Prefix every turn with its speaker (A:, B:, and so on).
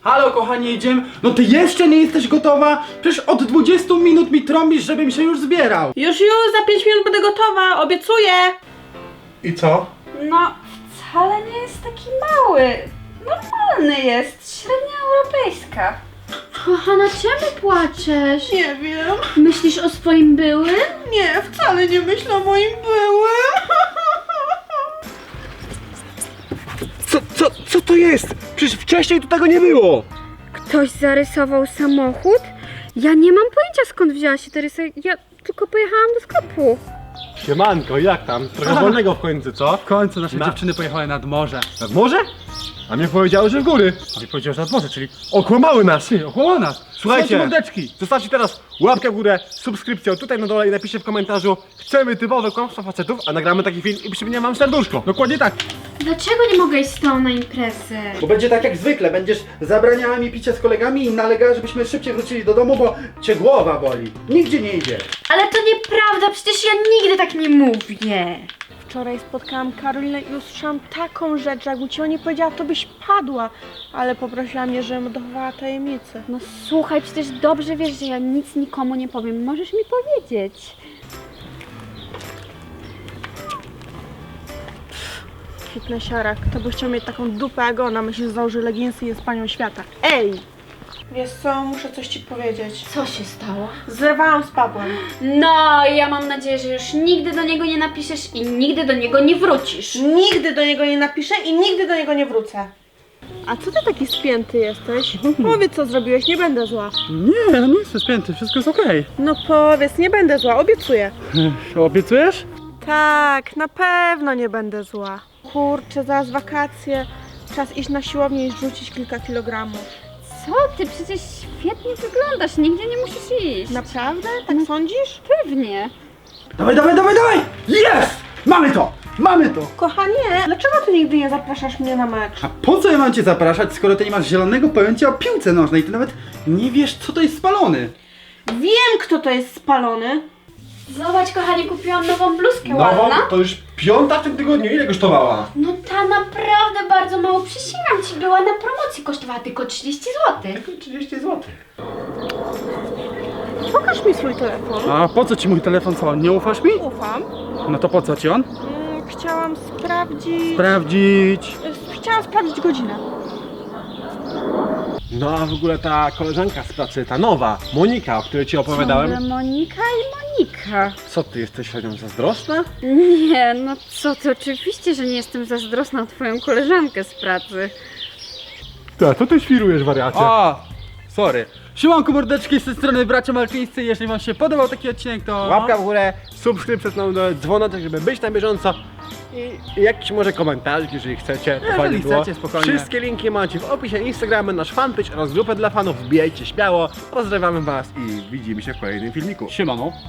A: Halo kochanie, idziemy? No ty jeszcze nie jesteś gotowa? Przecież od 20 minut mi trąbisz, żebym się już zbierał.
B: Już, za 5 minut będę gotowa, obiecuję!
A: I co?
C: No, wcale nie jest taki mały. Normalny jest, średnia europejska.
D: Kochana, czemu płaczesz?
B: Nie wiem.
D: Myślisz o swoim byłym?
B: Nie, wcale nie myślę o moim byłym.
E: Co to jest? Przecież wcześniej tu tego nie było!
D: Ktoś zarysował samochód? Ja nie mam pojęcia, skąd wzięła się ta rysa. Ja tylko pojechałam do sklepu.
E: Siemanko, jak tam? Trochę wolnego w końcu, co?
A: W końcu nasze dziewczyny pojechały nad morze.
E: Nad morze? A mnie powiedziały, że w góry.
A: A ty powiedziałeś nad morze, czyli
E: Okłamały nas!
A: okłamał nas.
E: Słuchajcie,
A: mordeczki.
E: zostawcie teraz łapkę w górę, subskrypcję tutaj na dole i napiszcie w komentarzu: chcemy typowe kłamstwa facetów, a nagramy taki film i przypomniałem wam serduszko.
A: Dokładnie tak.
D: Dlaczego nie mogę iść z tobą na imprezę?
A: Bo będzie tak jak zwykle, będziesz zabraniała mi picia z kolegami i nalegała, żebyśmy szybciej wrócili do domu, bo cię głowa boli. Nigdzie nie idzie.
D: Ale to nieprawda, przecież ja nigdy tak nie mówię.
B: Wczoraj spotkałam Karolinę i usłyszałam taką rzecz, że jakbym ci o niej powiedziała, to byś padła. Ale poprosiła mnie, żebym dochowała tajemnicy.
D: No słuchaj, przecież dobrze wiesz, że ja nic nikomu nie powiem. Możesz mi powiedzieć.
B: Fitnessiara, kto by chciał mieć taką dupę jak ona, myśli, że założy leginsy i jest panią świata. Ej! Wiesz co, muszę coś ci powiedzieć.
D: Co się stało?
B: Zerwałam z Pawłem.
D: No, ja mam nadzieję, że już nigdy do niego nie napiszesz i nigdy do niego nie wrócisz.
B: Nigdy do niego nie napiszę i nigdy do niego nie wrócę. A co ty taki spięty jesteś? Powiedz, co zrobiłeś, nie będę zła.
A: Nie, no nie jestem spięty, wszystko jest okej.
B: No powiedz, nie będę zła, obiecuję.
A: Obiecujesz?
B: Tak, na pewno nie będę zła. Kurczę, zaraz wakacje. Czas iść na siłownię i rzucić kilka kilogramów.
D: Co ty? Przecież świetnie wyglądasz, nigdzie nie musisz iść.
B: Naprawdę? Tak sądzisz?
D: Pewnie.
A: Dawaj, dawaj, dawaj, dawaj! Jest! Mamy to! Mamy to!
B: Kochanie, dlaczego ty nigdy nie zapraszasz mnie na mecz?
A: A po co ja mam cię zapraszać, skoro ty nie masz zielonego pojęcia o piłce nożnej? Ty nawet nie wiesz, co to jest spalony.
B: Wiem, kto to jest spalony.
D: Zobacz, kochanie, kupiłam nową bluzkę ładna.
E: to już piąta w tym tygodniu, ile kosztowała?
D: No ta naprawdę bardzo mało, przysięgam ci, była na promocji, kosztowała tylko 30 zł.
A: 30 zł.
B: Pokaż mi swój telefon.
A: A po co ci mój telefon, co? Nie ufasz mi?
B: Ufam.
A: No to po co ci on?
B: Chciałam sprawdzić...
A: Sprawdzić.
B: Chciałam sprawdzić godzinę.
E: No a w ogóle ta koleżanka z pracy, ta nowa, Monika, o której ci opowiadałem.
D: Ciągle Monika i Monika.
E: Co ty jesteś nią zazdrosna?
D: Nie, no co ty, oczywiście, że nie jestem zazdrosna o twoją koleżankę z pracy.
E: Tak, to ty świrujesz, wariacie.
A: O, sorry. Siemanko mordeczki, z tej strony bracia malczyńscy. Jeżeli wam się podobał taki odcinek, to...
E: Łapka w górę, subskrypcja na dole, dzwonek, żeby być na bieżąco. I jakiś może komentarz, jeżeli chcecie, to
A: Jeżeli
E: fajnie było.
A: chcecie, spokojnie.
E: Wszystkie linki macie w opisie Instagramy, nasz fanpage oraz grupę dla fanów. Wbijajcie śmiało. Pozdrawiamy was i widzimy się w kolejnym filmiku.
A: Siemano.